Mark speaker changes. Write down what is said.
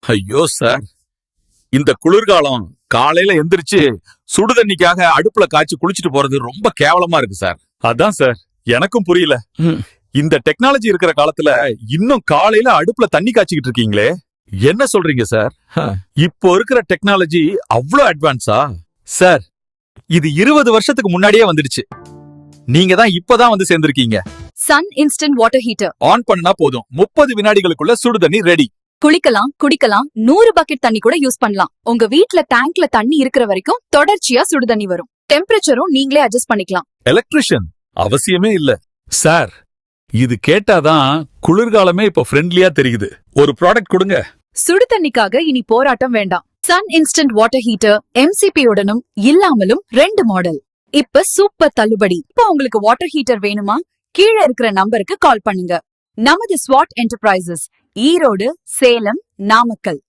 Speaker 1: ஐயோ சார், இந்த குளிர்காலம் காலையில எந்திரிச்சு சுடுதண்ணிக்காக அடுப்புல காய்ச்சி குளிச்சுட்டு போறது ரொம்ப கேவலமா இருக்கு சார்.
Speaker 2: அதான் சார், எனக்கும் புரியல. இந்த டெக்னாலஜி இருக்கிற காலத்துல இன்னும் காலையில அடுப்புல தண்ணி காய்ச்சிக்கிட்டு இருக்கீங்களே.
Speaker 1: என்ன சொல்றீங்க சார்? இப்போ இருக்கிற டெக்னாலஜி அவ்வளவு அட்வான்ஸா?
Speaker 2: சார், இது 20 வருஷத்துக்கு முன்னாடியே வந்துடுச்சு. நீங்க தான் இப்பதான் வந்து சேர்ந்திருக்கீங்க.
Speaker 3: Sun instant water heater
Speaker 2: on பண்ணா போதும், 30 வினாடிகளுக்குள்ள சுடுதண்ணி ரெடி.
Speaker 3: குளிக்கலாம், குடிக்கலாம், 100 பக்கெட் தண்ணி கூட யூஸ் பண்ணலாம். உங்க வீட்ல டேங்க்ல தண்ணி இருக்கிற வரைக்கும் தொடர்ச்சியா சுடுதண்ணி வரும். டெம்பரேச்சரும் நீங்களே அட்ஜஸ்ட் பண்ணிக்கலாம்.
Speaker 1: எலக்ட்ரிஷியன் அவசியமே இல்ல.
Speaker 2: சார், இது கேட்டாதான் குளிர்காலமே இப்ப ஃப்ரெண்ட்லியா தெரியுது. ஒரு ப்ராடக்ட் கொடுங்க.
Speaker 3: சுடு தண்ணிக்காக இனி போராட்டம் வேண்டாம். Sun instant water heater MCP உடனும் இல்லாமலும் 2 மாடல். இப்ப சூப்பர் தள்ளுபடி. இப்ப உங்களுக்கு வாட்டர் ஹீட்டர் வேணுமா? கீழே இருக்கிற நம்பருக்கு கால் பண்ணுங்க. நமது ஸ்வாட் என்டர்பிரைசஸ், ஈரோடு, சேலம், நாமக்கல்.